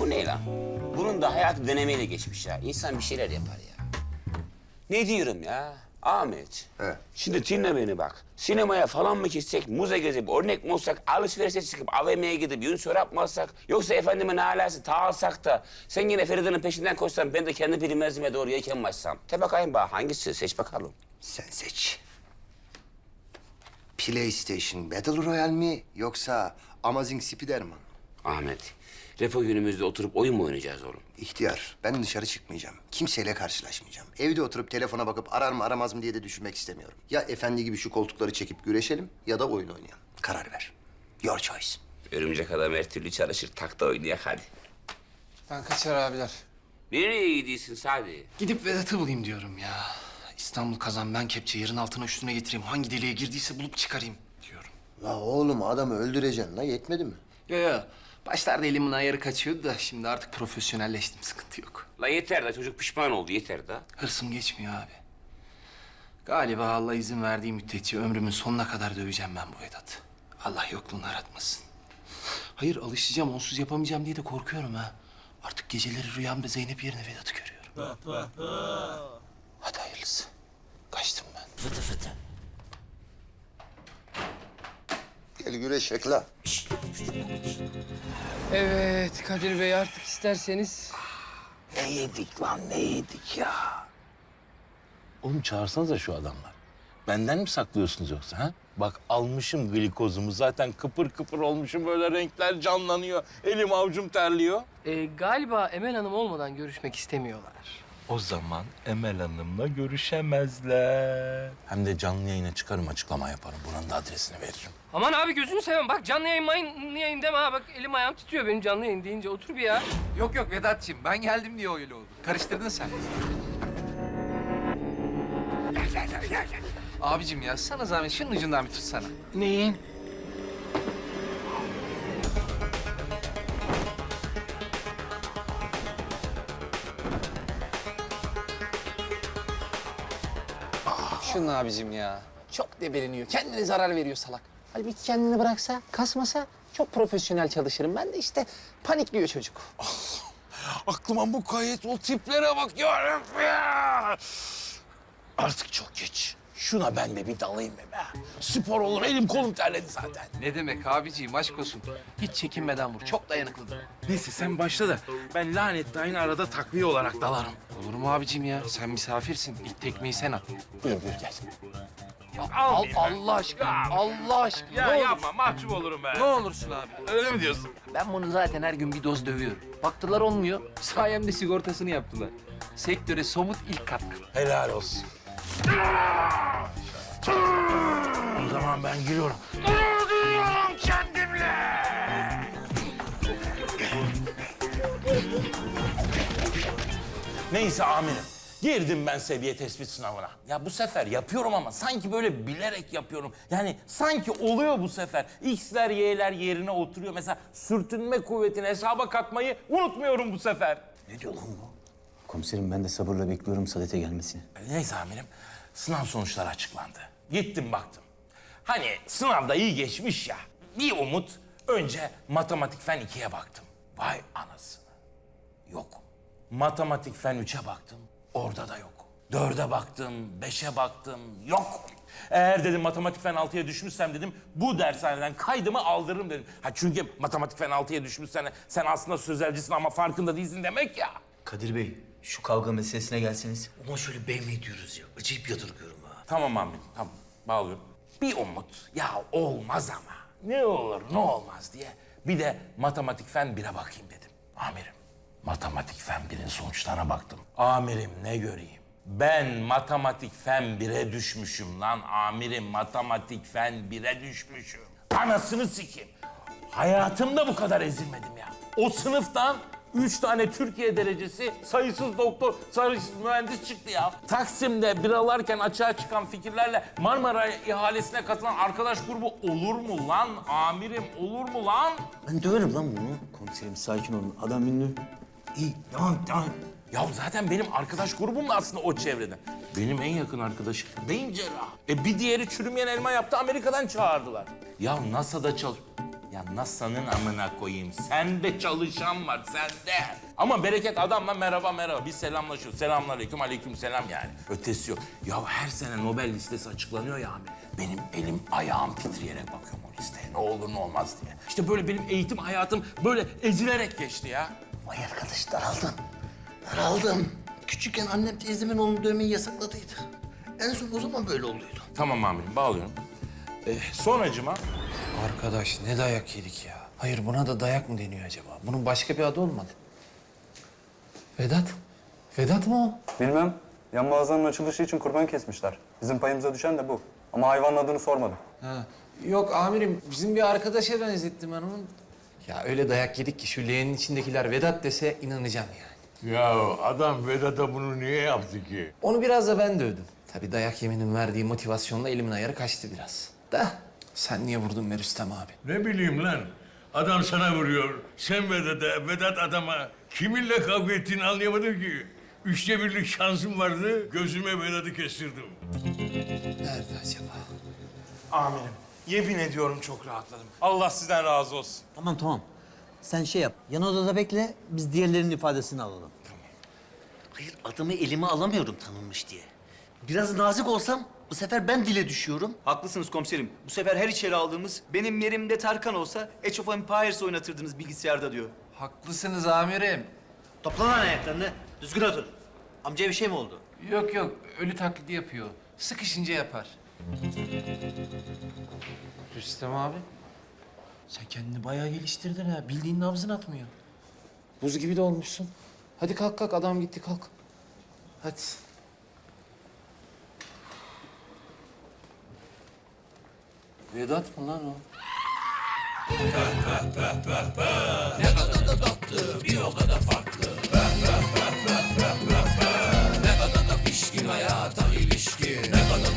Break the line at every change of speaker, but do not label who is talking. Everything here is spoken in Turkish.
Bu ne lan? Bunun da hayatı denemeyle geçmiş ya. İnsan bir şeyler yapar ya. Ne diyorum ya? Ahmet.
He.
Şimdi dinle beni bak. Sinemaya falan mı gitsek, muza gezip, örnek mi olsak, alışverişe çıkıp, AVM'ye gidip yün çorap mı alsak, yoksa efendime ne alası ta alsak da sen yine Feride'nin peşinden koşsan, ben de kendi bilinmezime doğru yelken mi açsam? Te bakayım bana hangisi? Seç bakalım.
Sen seç. PlayStation Battle Royale mi yoksa Amazing Spiderman?
Ahmet, repo günümüzde oturup oyun mu oynayacağız oğlum?
İhtiyar, ben dışarı çıkmayacağım. Kimseyle karşılaşmayacağım. Evde oturup telefona bakıp arar mı aramaz mı diye de düşünmek istemiyorum. Ya efendi gibi şu koltukları çekip güreşelim ya da oyun oynayalım. Karar ver. Your choice.
Örümcek adam her türlü çalışır, takta oynayak hadi.
Ben kaçar abiler.
Nereye gidiyorsun Sadi?
Gidip Vedat'ı bulayım diyorum ya. İstanbul kazan ben kepçe yerin altına üstüne getireyim. Hangi deliğe girdiyse bulup çıkarayım diyorum.
La oğlum adamı öldüreceksin la yetmedi mi?
Yo. Başlarda elimin ayarı kaçıyordu da şimdi artık profesyonelleştim. Sıkıntı yok.
La yeter de çocuk pişman oldu, yeter de.
Hırsım geçmiyor abi. Galiba Allah izin verdiği müddetçe ömrümün sonuna kadar döveceğim ben bu Vedat'ı. Allah yokluğunu aratmasın. Hayır alışacağım, onsuz yapamayacağım diye de korkuyorum ha. Artık geceleri rüyamda Zeynep yerine Vedat'ı görüyorum. Hadi hayırlısı. Kaçtım ben.
Fıtı fıtı.
Gel güreşek la.
Evet Kadir Bey artık isterseniz.
Ne yedik lan, ne yedik ya? Oğlum çağırsanıza şu adamlar. Benden mi saklıyorsunuz yoksa ha? Bak almışım glikozumu zaten kıpır kıpır olmuşum böyle renkler canlanıyor. Elim avucum terliyor.
Galiba Emel Hanım olmadan görüşmek istemiyorlar.
O zaman Emel Hanım'la görüşemezler. Hem de canlı yayına çıkarım açıklama yaparım. Buranın da adresini veririm.
Aman abi gözünü seveyim bak canlı yayın deme ha bak elim ayağım titriyor benim canlı yayın deyince otur bir ya.
Yok Vedat'cığım ben geldim diye öyle oldu. Karıştırdın sen. Gel. Abicim ya sana zahmet şunun ucundan bir tutsana.
Neyin?
Şunun abicim ya. Çok debeleniyor. Kendine zarar veriyor salak. Halbuki kendini bıraksa, kasmasa çok profesyonel çalışırım. Ben de işte panikliyor çocuk.
Aklıma mukayyet o tiplere bak ya. Artık çok geç. Şuna ben de bir dalayım be. Spor olur, elim kolum terledi zaten.
Ne demek abiciğim aşk olsun. Hiç çekinmeden vur. Çok dayanıklıdır.
Neyse sen başla da ben lanetli aynı arada takviye olarak dalarım.
Olur mu abicim ya? Sen misafirsin. İlk tekmeyi sen at.
Buyur gel.
Allah aşkına. Allah aşkına. Ne olur.
mahcup olurum ben.
Ne olursun abi.
Öyle mi diyorsun?
Ben bunu zaten her gün bir doz dövüyorum. Baktılar olmuyor. Sayemde sigortasını yaptılar. Sektöre somut ilk katkı.
Helal olsun. O zaman ben giriyorum. Duyuyorum kendimle. Neyse amirim. Girdim ben seviye tespit sınavına. Ya bu sefer yapıyorum ama sanki böyle bilerek yapıyorum. Yani sanki oluyor bu sefer. X'ler, Y'ler yerine oturuyor. Mesela sürtünme kuvvetini hesaba katmayı unutmuyorum bu sefer.
Ne diyor lan bu? Komiserim ben de sabırla bekliyorum Sadet'e gelmesini.
Neyse amirim, sınav sonuçları açıklandı. Gittim baktım. Hani sınavda iyi geçmiş ya, bir umut. Önce matematik fen 2'ye baktım. Vay anasını. Yok. Matematik fen 3'e baktım. Orada da yok. 4'e baktım, 5'e baktım. Yok. Eğer dedim matematik fen 6'ya düşmüşsem dedim bu dershaneden kaydımı aldırırım dedim. Ha çünkü matematik fen 6'ya düşmüşsen sen aslında sözelcisin ama farkında değilsin demek ya.
Kadir Bey şu kavga meselesine gelseniz. Ulan şöyle bey mi diyoruz ya? Acayip yadırgıyorum ha.
Tamam amirim, tamam. Bağlıyorum. Bir umut, ya olmaz ama. Ne olur, ne olmaz diye. Bir de matematik fen 1'e bakayım dedim. Amirim, matematik fen 1'in sonuçlarına baktım. Amirim ne göreyim? Ben matematik fen 1'e düşmüşüm lan. Amirim matematik fen 1'e düşmüşüm. Anasını sikeyim. Hayatımda bu kadar ezilmedim ya. O sınıftan 3 tane Türkiye derecesi, sayısız doktor, sayısız mühendis çıktı ya. Taksim'de biralarken açığa çıkan fikirlerle Marmara ihalesine katılan arkadaş grubu olur mu lan? Amirim olur mu lan?
Ben döverim lan bunu. Komiserim sakin olun. Adam ünlü. İyi devam.
Ya zaten benim arkadaş grubum da aslında o çevreden. Benim en yakın arkadaşım beyin cerrahı. Bir diğeri çürümeyen elma yaptı, Amerika'dan çağırdılar. Ya NASA'da Ya NASA'nın amına koyayım. Sende çalışan var, sende. Ama Bereket adamla merhaba. Biz selamlaşıyoruz. Selamünaleyküm, aleykümselam yani. Ötesi yok. Ya her sene Nobel listesi açıklanıyor ya abi. Benim elim ayağım titreyerek bakıyorum o listeye. Ne olur ne olmaz diye. İşte böyle benim eğitim hayatım böyle ezilerek geçti ya.
Vay arkadaş daraldım. Daraldım. Küçükken annem teyzemin onu dövmeyi yasakladıydı. En son o zaman böyle oluyordu.
Tamam amirim, bağlıyorum. Sonracıma
Arkadaş ne dayak yedik ya. Hayır buna da dayak mı deniyor acaba? Bunun başka bir adı olmadı. Vedat. Vedat mı o?
Bilmem. Yan mağazanın açılışı için kurban kesmişler. Bizim payımıza düşen de bu. Ama hayvanın adını sormadım.
Ha. Yok amirim bizim bir arkadaşa benzettim ben onu. Ya öyle dayak yedik ki şu leğenin içindekiler Vedat dese inanacağım yani.
Ya adam Vedat'a bunu niye yaptı ki?
Onu biraz da ben dövdüm. Tabii dayak yemenin verdiği motivasyonla elimin ayarı kaçtı biraz. Da sen niye vurdun be Rüstem abi?
Ne bileyim lan. Adam sana vuruyor. Sen Vedat'a, Vedat adama. Kiminle kavga ettiğini anlayamadım ki. 1/3'lük şansım vardı. Gözüme Vedat'ı kestirdim.
Nerede acaba?
amirim, yemin ediyorum çok rahatladım. Allah sizden razı olsun.
Tamam. Sen şey yap. Yan odada bekle. Biz diğerlerinin ifadesini alalım.
Hayır adamı elime alamıyorum tanınmış diye. Biraz nazik olsam bu sefer ben dile düşüyorum.
Haklısınız komiserim. Bu sefer her içeri aldığımız benim yerimde Tarkan olsa Age of Empires oynatırdınız bilgisayarda diyor.
Haklısınız amirim.
Topla lan ayaklarını. Düzgün otur. Amcaya bir şey mi oldu?
Yok ölü taklidi yapıyor. Sıkışınca yapar. Rüstem abi. Sen kendini bayağı geliştirdin ha. Bildiğin nabzın atmıyor. Buz gibi de olmuşsun. Hadi kalk adam gitti kalk. Hadi. Vedat mı lan o? Ne kadar da tatlı, bir o kadar farklı. Ne kadar da pişkin hayata ilişkin. Ne kadar